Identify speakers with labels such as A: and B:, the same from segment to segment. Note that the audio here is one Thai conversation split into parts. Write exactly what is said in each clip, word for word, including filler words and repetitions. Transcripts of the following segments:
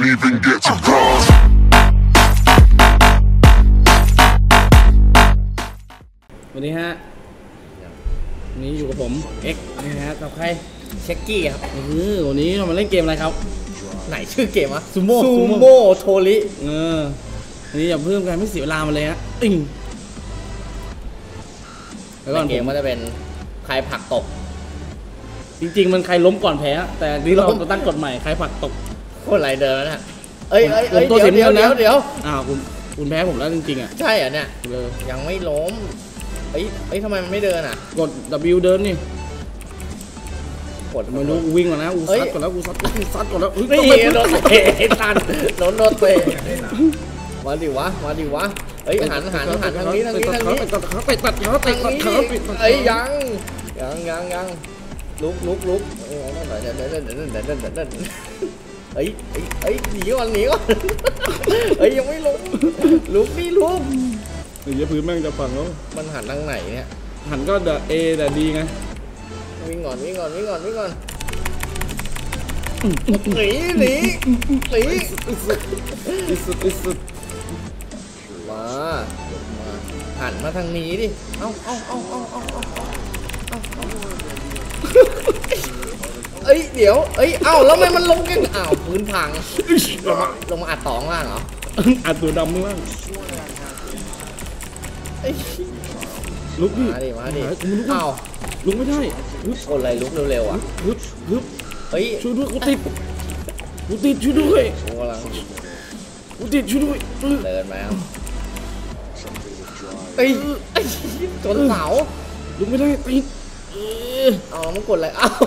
A: even get to cross.
B: วันนี้ฮะวันนี้อยู่กับผมเอ็กนะฮะกับใคร
C: เช็กกี้ครับ
B: เออวันนี้เรามาเล่นเกมอะไรครับ
C: ไหนชื่อเกมวะ
B: ซูโม่
C: ซูโม่โทริ
B: เออวันนี้อย่าเพิ่มกันไม่เสียเวลามาเลยฮะอิง
C: แล้วก็เกมก็จะเป็นใครผลักตก
B: จริงๆมันใครล้มก่อนแพ้แต่ที่เราตั้งกฎใหม่ใครผลักตก
C: โคตรไรเดินนะเอ้ยเอ้ยเอ้ยเดี๋ยวเดี๋ยวเดี๋ยวเดี๋ยว
B: อ้าวคุณคุณแพ้ผมแล้วจริงๆอ่ะ
C: ใช่อ่ะเนี่ยยังไม่ล้มเอ้ยเอ้ยทำไมมันไม่เดินอ่ะ
B: กด W เดินนี่กดไม่รู้วิ่งก่อนนะอูซัดก่อนแล้วอูซัดอูซัดก่อนแล้ว
C: นี่โดนเตะทันโดนโดนเตะมาดิวะมาดิวะเอ้ยหันหันหันทางนี้ทางนี้ทางนี้
B: ตัดขาไปตัดขาไปตัดขาไป
C: เอ้ยยังยังยังยังลุกลุกลุกเอ้ยเดินเดินเดินเดินเดินเดินเดินเดินเอ้ยเอ้ยหนีก่อนหนีก่อนเอ้ยยังไม่ลงลุกนี่ลุก
B: เดี๋ยวพื้นแม่งจะฝังแล้ว
C: มันหันทางไหนเนี่ย
B: หันก็เดอะเอแต่ดีไง
C: วิ่งก่อนวิ่งก่อนวิ่งก่อนวิ่งก่อนหนีหนีหนี
B: อิสุดอิสุด
C: มามาหันมาทางนี้ดิเอ้าเอ้าเอ้าเอ้าเอ้าเอ้าเอ้ยเดี๋ยวเอ้ยเอ้าแล้วทำไมมันลงกันอ้าวพื้นพังลงมาลงมาอัดตองล่างเหรอ
B: อัดตัวดำล่างลุกดิ
C: มาดิมาดิอ้าว
B: ลุกไม่ได้
C: คนอะไรลุกเร็วๆอ่ะ
B: ลุกลุก
C: เฮ้ย
B: ช่วยด้วยกูติดกูติดช่วยด้วย
C: กูกำลัง
B: กูติดช่วยด้วย
C: เดินมาเอ้ยจนเสา
B: ลุกไม่ได้ติด
C: เอามันกดอะไรเอ้า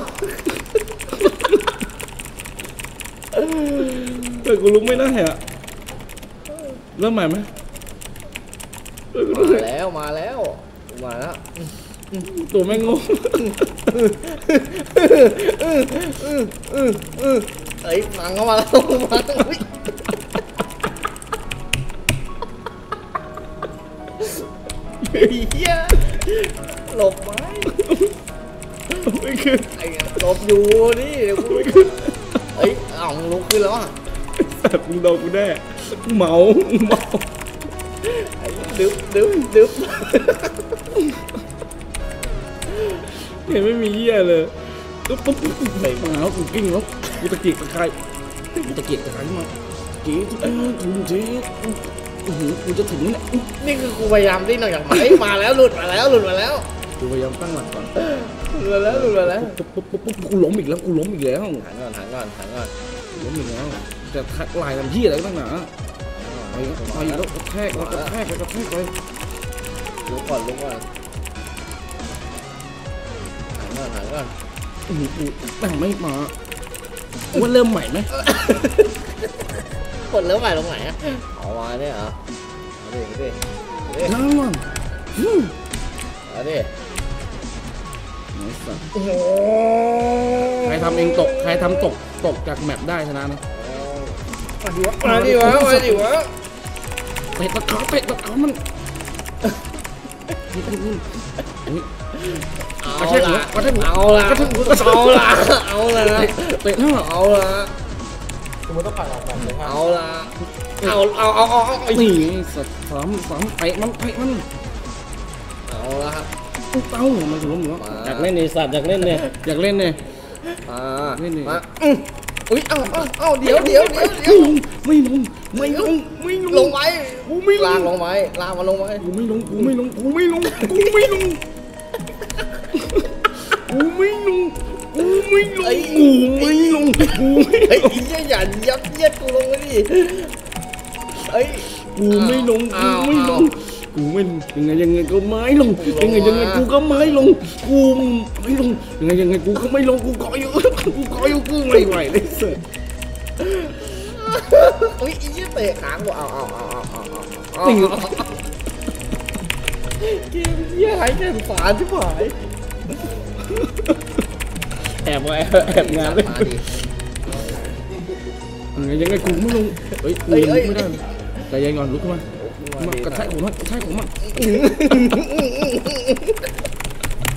B: แต่กูลุกไม่ได้อะเริ่มใหม่ไหม
C: มาแล้วมาแล้วมาแล้ว
B: ตัวแม่งงง
C: เอ้ยฟังเข้ามาแล้วมาเฮียหลบไหม
B: ไม่ขึ้น
C: ไอ้หลบอยู่นี่เดี๋ยวกูไม่ขึ้นเอ้ยอ่องลุกขึ้นแล้วอ่ะ
B: แต่กูโดนกูแน่เมาเมา
C: ไอ้ดึ๊บดึ๊บดึ๊บ
B: เห็นไม่มีเหี้ยเลยตุ๊บตุ๊บไปมาแล้วกูกิ้งแล้วกูตะเกียกตะไคร้กูตะเกียกตะไคร้มาเก๋ทุกคนถูกเจ๊โอ้โหกูจะถึงเนี่ย
C: นี่คือกูพยายามดิ้นออกจากไม้มาแล้วหลุดมาแล้วหลุดมาแล้ว
B: กูพยายามตั้งหลักก่อน
C: หลุดมาแล้วหลุดมาแล้ว
B: ปุ๊บปุ๊บปุ๊บปุ๊บกูล้มอีกแล้วกูล้มอีกแล้ว
C: หันก่อนหันก่อนหันก่อน
B: ล้มอีกแล้วจะทักลายทำที่อะไรตั้งหนาไปไปแล้วกระแทกแล้วกระแทกแล้วกระแทกไป
C: ลุกก่อนลุกก่อนหันก่อนหันก่อน
B: อืออือแต่งไม่มาว่าเริ่มใหม่ไหม
C: กดเริ่มใหม่ตรงไหนอ่ะเอามาเนี่ยเหรอเอาดิเอาดิ
B: นั่งมัน
C: เอาดิ
B: ใครทำเองตกใครทำตกตกจากแมปได้ชนะนะ
C: มาดิวะมาดิวะมาดิวะ
B: เตะตะขาเตะตะขามัน
C: เอาละเอาละเอาละเอาละ
B: เตะหน้า
C: เอาละ
D: คุณต้องผ่านออกก่อนเลยครับ
C: เอาละเอาเอาเอาเอาเอา
B: นี่สัตว์สามสามเตะมันเตะมัน
C: เอาละครับ
B: เต้ามันถึงล้มอยู่อยากเล่นในสัตว์อยากเล่นเนี่ยอยากเล่นเนี่ย
C: อ่าเล่นเนี่ยอุ้ยเอาเอาเอาเดี๋ยวเดี๋ยวเดี๋ยว
B: ไม่ลงไม่ลงไม่ลง
C: ลงไว้
B: กูไม่
C: ลางลงไว้ลางมาลงไว้
B: กูไม่ลงกูไม่ลงกูไม่ลงกูไม่ลงกูไม่ลงกูไม่ลงกูไม่ลงกู
C: ไอ้เหี้ยอย่ายัดเยียดกูลงไปดิไอ้
B: กูไม่ลงกูไม่ลงกูไม่ยังไงยังไงก็ไม่ลงยังไงยังไงกูก็ไม่ลงกูไม่ลงยังไงยังไงกูก็ไม่ลงกูขออยู่กูขออยู่กูไม่ไหวเลยเสือ
C: อุ้ยอีเหี้ยเตะค้างกูเอาเอาเอาเอาเอาเอาเกมเหี้ยหายแก่ฝาที่หาย
B: แอบไว้แอบงานเลยยังไงยังไงกูไม่ลงเฮ้ยกูไม่ได้ใจเย็นก่อนลุกขึ้นมากระแทกผมมันกระแทกผมมัน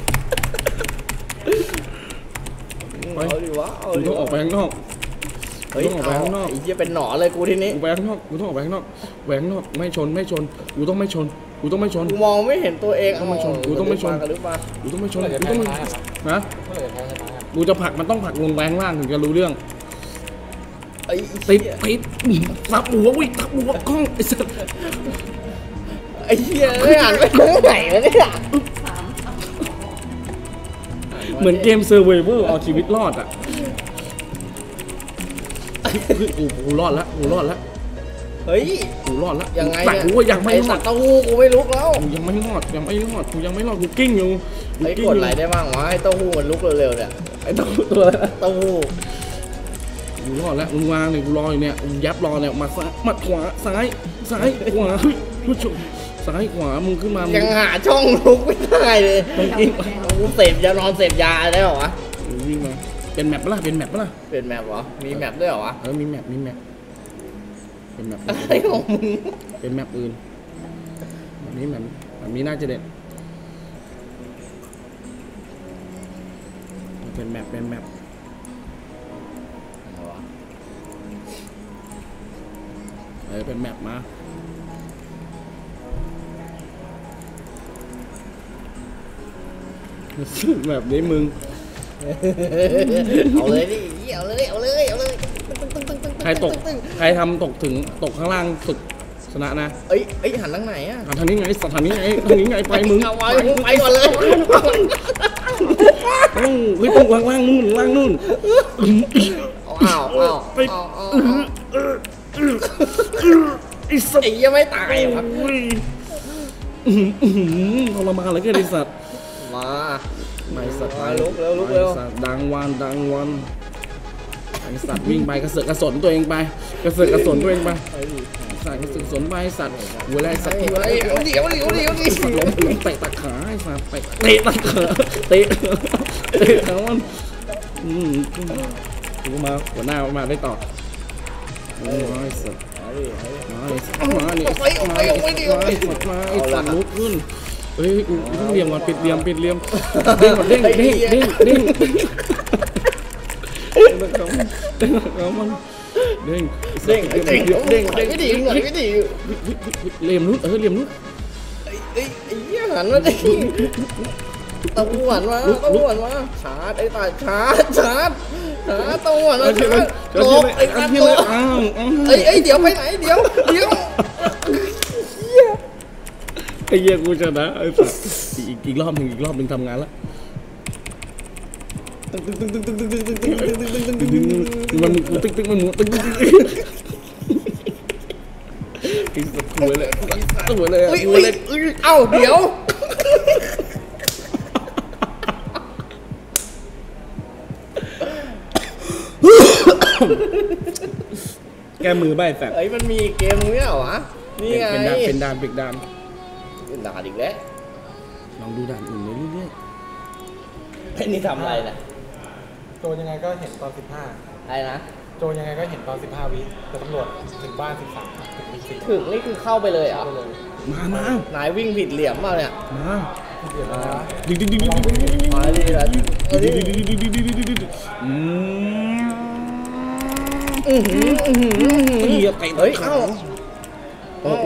B: ไป
C: เอาดิวะเอาดิ
B: ต้องออกไปข้างนอก
C: เฮ้ย
B: ต้องออกไปข้างนอก
C: ไอ้เหี้ยเป็นหนอนเลยกูทีนี้
B: กูไปข้างนอกกูต้องออกไปข้างนอกแหวกข้างนอกไม่ชนไม่ชนกูต้องไม่ชนกูต้องไม่ชน
C: กูมองไม่เห็นตัวเอง
B: ต้องไม่ชนกูต้องไม่ชน
C: กระดึ๊บมา
B: กูต้องไม่ชน
D: เมื่อไหร่
B: กู
D: จะ
B: ต้อง
D: แพ้
B: ไม่
D: ชนะครับ
B: นะ
D: เมื่อไหร่จะแพ้ชนะครับ
B: กูจะผลักมันต้องผลักลงไปข้างล่างถึงจะรู้เรื่อง
C: ไอ้
B: ติด
C: เหี้ย
B: ติดทับหัววิ่งทับหัวกล้องไอ้สัส
C: ไอ้เหี้ยไม่อ่านไปตรงไหนวะเนี่ย
B: เหมือนเกมเซอร์ไวเวอร์เอาชีวิตรอดอ่ะคือกูกูรอดแล้วกูรอดแล้ว
C: เฮ้ย
B: กูรอดแล้ว
C: ยังไง
B: แต่
C: เนี่ย
B: กูว่ายังไม่
C: ไอ้
B: ร
C: สั
B: อ
C: ต
B: ด
C: ว์เต้าหู้กูไม่ลุกแล้ว
B: กูยังไม่รอดยังไม่รอดกูยังไม่รอดกูกิ้งอยู่
C: ไอ้
B: กิ้
C: ก
B: ง
C: ด
B: อยู่
C: ไหลได้บ้างวะไอ้เต้าหู้มันลุกเร็วๆเนี่ย
B: ไอ้ตัวตัวอะไรนะ
C: เต้าหู้
B: กูรอดแล้วมึงวางเนี่ยกูรออยู่เนี่ยกูยับรอเนี่ยมาซ้ายมาขวาซ้ายซ้ายขวาเฮ้ยผู้ชมซ้ายขวามึงขึ้นมามึ
C: ยังหาช่องลุกไม่ได้เลย
B: ต้องกิ้ง
C: กูเสพยานอนเสพยาได้เหรอวะ
B: วิ่งมาเป็นแมปปะล่ะเป็นแมปปะล่ะ
C: เป็นแมปเหรอมีแมปด้วยเหรอวะ
B: เออมีแมปมีแมปเป็นแมป
C: อะไรของมึง
B: เป็นแมปอื่นแบบนี้แบบแบบนี้น่าจะเด็ดเป็นแมปเป็นแมปเออเป็นแมปมาแบบนี้มึง
C: เอาเลยดิเอาเลยเอาเลยเอาเลย
B: ใครตกใครทำตกถึงตกข้างล่างสุดชนะนะ
C: เอ้ยเอ้ยหันทางไหนอะ
B: อ่ะทางนี้ไงสัตว์ทางนี้ไงทางนี้ไงไปมึง
C: เอาไว้มึงไปก่อนเลย
B: ต้องเฮ้ยต้องล่างล่างนู่นล่างนู่น
C: อ้าวอ้าว
B: ไป
C: อ้าวอ้าว
B: ไอ้สัตว์
C: ไอ้เหี้ยังไม่ตายครับ
B: โอ้ยอื้อหืออื้อหือทรมานเหลยก็ไอ้สัตว์
C: มา
B: ไม่สัตว์
C: มาลุกเร็วลุกเร็ว
B: ไอ้สัตว์ดังวันดังวันไอ้สัตว์วิ่งไปกระเสือกกระสนตัวเองไปกระเสือกกระสนตัวเองไปสัตว์กระเสือกกระสนไปสัตว์หัวไรสัตว์หัวไร
C: เดี๋ยวเดี๋ยวเดี๋ยวเดี๋ยว
B: สัตว์ล้มล้มเตะตะขาไอ้สัตว์เตะเตะตะขาเตะเตะขามันอืมกูมาหัวหน้ามาได้ต่อโอ้ยไอ้สัตว์มาไอ้สัตว์มาไอ้สัตว์มาไอ้สัตว์มาไอ้สัตว์มาไอ้สัตว์ลุกขึ้นเฮ้ยกูต้องเรียมก่อนปิดเรียมปิดเรียมเด้งก่อนเด้งเด้งเด้งเด้งเด้งเขามันเด้ง
C: เด้งเด้ง
B: เด้ง
C: เด้
B: เด้
C: ง
B: ง
C: ไม่ดีหน่อยไม่ดี
B: เรียมนุ้เออเรียมนุ้
C: ไอ้ไอ้ไอ้เหี้ยหันมาดิตะวันมาตะวันมาชาร์จไอ้ตาชาร์จชาร์จชาร์จตะวันมาชาร์จโลบไอ้ตาโลบ
B: อ้าวอ้าว
C: ไอ้ไอ้เดี๋ยวไปไหนเดี๋ยวเดี๋ยว
B: ไอ้เหี้ยกูชนะไอ้สัสอีกอีกรอบหนึ่งอีกรอบหนึ่งทำงานละมันมึงติ๊กติ๊กมันมึงติ๊กติ๊กไอ้สัสหัวเลยหัวเลย
C: อุ้ย
B: หัว
C: อุ้ย
B: เลย
C: เอ้าเดี๋ยว
B: แกมือใบแสบ
C: ไอ้มันมีเกมนี้เหรอวะนี่ไง
B: เป็นดานเป็นดานเป็นดาน
C: เป็นด่าอีกแล้ว
B: ลองดูด่านอื่นเรื่อย
C: ไอ้นี่ทำอะไรนะ
D: โจยังไงก็เห็นตอนสิบห้า
C: อะไรนะ
D: โจยังไงก็เห็นตอนสิบห้าวิแต่ตำรวจถึงบ้านสิบสามถึงวิสิบ
C: ถึงนี่คือเข้าไปเลยเหรอ
D: ไปเลย
B: ๆมามา
C: นายวิ่งผิดเหลี่ยมเปล่าเนี่ย
B: มา
D: เดี๋ยวนะ
B: ดึงดึงดึงดึงดึงดึง
C: มาดิละเอาดิ
B: อืม
C: อื้อหืออื้อหืออื้อหือ
B: เหี้ยเตะ
C: เฮ้ย
B: ขา
C: เอ้า
B: โอ้โห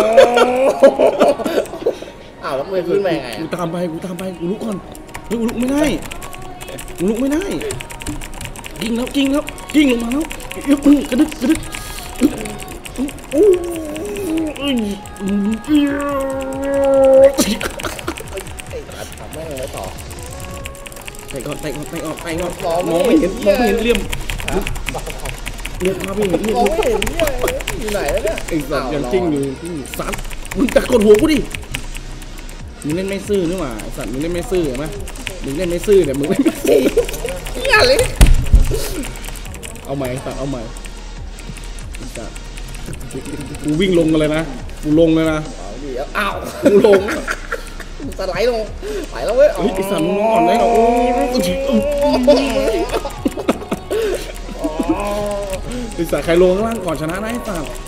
C: อ้าวแล้วมือขึ้นมายังไง
B: กู
C: อะ
B: ตามไปกูตามไปกูลุกก่อนเฮ้ยกูลุกไม่ได้กูลุกไม่ได้กิ้งแล้วกิ้งแล้วกิ้งลงมาแล้วอึ๊บกระดึกกระดึกโอ้ย
C: ไอ้ตัดทำแม่งเลยต่อ
B: เตะก่อนเตะก่อนเตะก่อนเตะก่อนมองไม่เห็นมองไม่เห็นเหลี่ยมเหลี่ยมมาไม่เห็นเหลี่ย
C: มอง
B: ม
C: ไม่เห็นเนี่ยอยู่ไหนแล้วเนี่ย
B: ไอ้สัตว์ยังกิ้งอยู่สัตว์มึงจะกดหัวกูดิมึงเล่นไม่ซื่อนี่หว่าไอ้สัตว์มึงเล่นไม่ซื่อเห็นไหมมึงเล่นไม่ซื่อเนี่ยมึงเล่นไม่ซื่อ
C: เนี่ยเลย
B: เอาใหม่สัตว์เอาใหม่สัตว์กูวิ่งลงกันเลยนะกูลงเลยนะ
C: เอาดิอ้าว
B: กูลง
C: สไลด์ลงไปแล้วเว้ย
B: เฮ้ยไอ้สัตว์มึงอ่อนเลยเหรอโอ้ยไอ้สัตว์ใครลงข้างล่างก่อนชนะนะไอ้สัตว์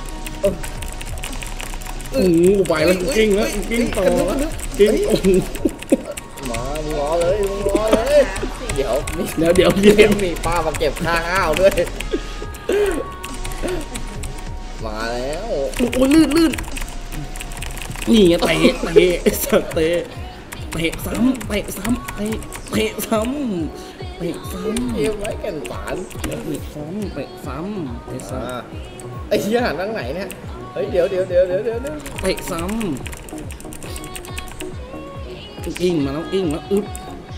B: โอ้โหไปแล้วกูกิ้งแล้วกูกิ้งต่อแล้วกิ้งโอ้โห
C: มามึงรอเลยมึงรอเลยเดี๋ยวมี
B: เดี๋ยวเดี๋ยว
C: เก
B: เดี๋ยว
C: มมีป้ามาเก็บค่าข้าวด้วยมาแล้ว
B: โอ้ยลื่นลื่นนี่ไงเตะเตะสัตว์เตะเตะซ้ำเตะซ้ำเตะเตะซ้ำเตะซ้ำ
C: เอวไว้แก่นสาร
B: เตะซ้ำเตะซ้ำเตะซ้
C: อ่าไอ้เหี้ยหันทางไหนเนี่ยเฮ้ยเดี๋ยวเดี๋ยวเดี๋ยวเดี๋ยวเดี๋ยว
B: ำเตะซ้ำกิ้งมาแล้วกิ้งมาอึ๊บ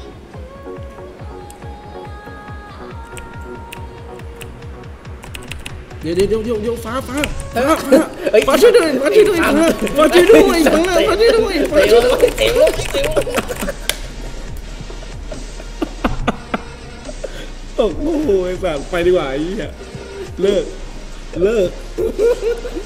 B: เดี๋ยวเดี๋ยวเดี๋ยวเดี๋ยวเดี๋ยวฟ้าฟ้าฟ้าฟ้าฟ้าช่วยด้วยฟ้าช่วยด้วยฟ้าฟ้าช่วยด้วยฟ้าฟ้าช่วยด้วยฟ้า
C: เตะ
B: ช่วย
C: ล
B: ด้วย
C: งเตะลงเตะลง
B: โอ้โหไอ้สัตว์ไปดีกว่าไอ้เหี้ยเลิกเลิก